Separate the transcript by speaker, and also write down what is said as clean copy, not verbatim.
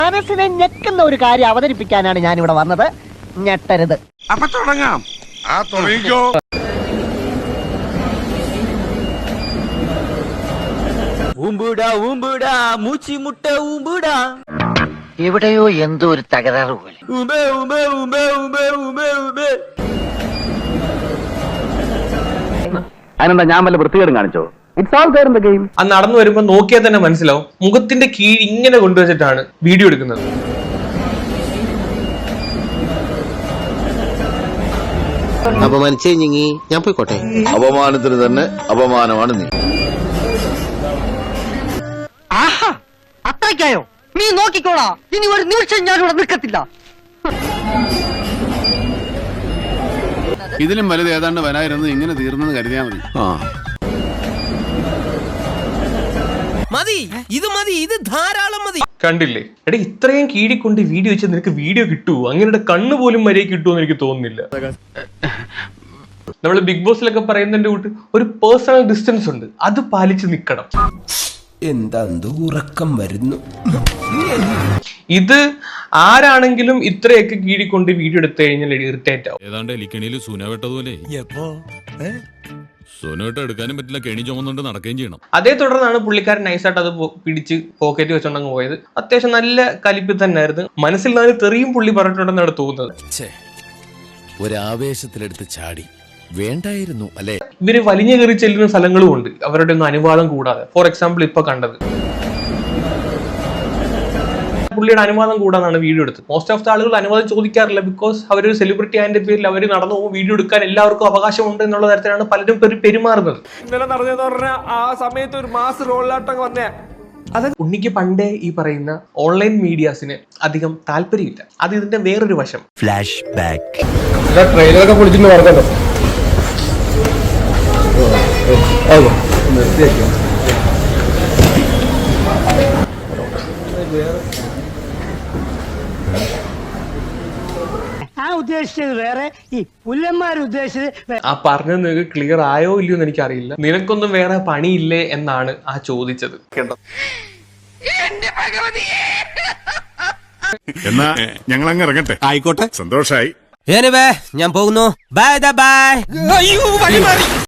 Speaker 1: മനസ്സിനെ ഞെക്കുന്ന ഒരു കാര്യം അവതരിപ്പിക്കാനാണ് ഞാൻ ഇവിടെ വന്നത്. ഞെട്ടരുത്.
Speaker 2: അപ്പൊ തുടങ്ങാം. തുടങ്ങിക്കോ.
Speaker 1: എവിടെയോ എന്തോ ഒരു തകരാറ് പോലെ.
Speaker 3: അതിനെന്താ ഞാൻ വല്ല വൃത്തികേടും കാണിച്ചോ? It's all there in the game.
Speaker 4: അത് നടന്നു വരുമ്പോ നോക്കിയാൽ തന്നെ മനസ്സിലാവും മുഖത്തിന്റെ കീഴ് ഇങ്ങനെ കൊണ്ടുവച്ചിട്ടാണ് വീഡിയോ എടുക്കുന്നത്.
Speaker 5: അപമാനിച്ചേ ഞങ്ങി ഞാൻ പോയിക്കോട്ടെ.
Speaker 6: അപമാനത്തിന് തന്നെ അപമാനമാണ് നീ.
Speaker 1: ആഹാ, അത്രയ്ക്കായോ? നീ നോക്കിക്കോളാ, ഇനി ഒരു നിമിഷം ഞാനിവിടെ നിൽക്കത്തില്ല.
Speaker 7: ഇതിലും വലുത് ഏതാണ്ട് വരായിരുന്നു. ഇങ്ങനെ തീർന്നെന്ന് കരുതിയാ മതി.
Speaker 8: ഇത് ധാരാളം മതി.
Speaker 4: കണ്ടില്ലേ എടാ, ഇത്രയും കീഴിക്കൊണ്ട് വീഡിയോ വെച്ചാൽ നിനക്ക് വീഡിയോ കിട്ടുമോ? അങ്ങനെ കണ്ണു പോലും മര്യാദ കിട്ടുമെന്ന് എനിക്ക് തോന്നുന്നില്ല. നമ്മള് ബിഗ് ബോസിലൊക്കെ പറയുന്നതിന്റെ കൂട്ട് ഒരു പേഴ്സണൽ ഡിസ്റ്റൻസ് ഉണ്ട്, അത് പാലിച്ച് നിക്കണം.
Speaker 8: എന്താ ഉറക്കം വരുന്നു.
Speaker 4: ഇത് ആരാണെങ്കിലും ഇത്രയൊക്കെ കീഴിക്കൊണ്ട് വീഡിയോ എടുത്തു കഴിഞ്ഞാൽ ഇറിറ്റേറ്റ് ആവും.
Speaker 7: ഏതാണ്ട് എലിക്കണിയിൽ സൂന വെട്ടതുപോലെ സൂനോട്ട് എടുക്കാനും പറ്റില്ല, കെണി ചുമന്നുകൊണ്ട് നടക്കുകയും ചെയ്യണം.
Speaker 4: അതേ തുടർന്നാണ് പുള്ളിക്കാരൻ നൈസായിട്ട് അത് പിടിച്ച് പോക്കറ്റ് വെച്ചോണ്ടങ്ങ് പോയത്. അത്യാവശ്യം നല്ല കലിപ്പിൽ തന്നെ ആയിരുന്നു. മനസ്സിൽ നാല് തെറിയും പുള്ളി പറഞ്ഞിട്ടുണ്ടെന്നാണ് തോന്നുന്നത്.
Speaker 8: ഒരാവേശത്തിലെടുത്ത് ചാടി വേണ്ടായിരുന്നു അല്ലെ.
Speaker 4: ഇവര് വലിഞ്ഞു കയറി ചെല്ലുന്ന സ്ഥലങ്ങളും ഉണ്ട് അവരുടെ ഒന്നും അനുവാദം കൂടാതെ. ഫോർ എക്സാമ്പിൾ ഇപ്പൊ കണ്ടത് പുള്ളിയുടെ അനുവാദം കൂടാതാണ് വീഡിയോ എടുത്തത്. മോസ്റ്റ് ഓഫ് ദ ആളുകൾ അനുവാദം ചോദിക്കാറില്ല, ബിക്കോസ് അവരൊരു സെലിബ്രിറ്റി ആയതിന്റെ പേരിൽ അവർ നടന്നു പോകും, വീഡിയോ എടുക്കാൻ എല്ലാവർക്കും അവകാശമുണ്ട് എന്നുള്ള തരത്തിലാണ് പലരും പെരുമാറുന്നത്.
Speaker 9: ഇന്നലെ നടന്നെന്ന് പറഞ്ഞാൽ ആ സമയത്ത് ഒരു മാസ് റോളിലാട്ടം വന്നേ.
Speaker 4: അത് ഉണ്ണിക്ക് പണ്ടേ ഈ പറയുന്ന ഓൺലൈൻ മീഡിയാസിന് അധികം താല്പര്യമില്ല. അത് ഇതിന്റെ വേറൊരു വശം.
Speaker 8: Flash back.
Speaker 9: ട്രെയിലറൊക്കെ പൊളിച്ചിട്ട് പറഞ്ഞല്ലോ.
Speaker 1: ഉദ്ദേശിച്ചത് വേറെ, ഈ പുല്ലന്മാർ ഉദ്ദേശിച്ചത്.
Speaker 4: ആ പറഞ്ഞത് നിങ്ങൾക്ക് ക്ലിയർ ആയോ ഇല്ലയോ എന്ന് എനിക്കറിയില്ല. നിനക്കൊന്നും വേറെ പണിയില്ലേ എന്നാണ് ആ ചോദിച്ചത്.
Speaker 2: എന്നാ ഞങ്ങൾ അങ്ങ് ഇറങ്ങട്ടെ. ആയിക്കോട്ടെ, സന്തോഷായി.
Speaker 8: ഞാൻ പോകുന്നു. Bye by.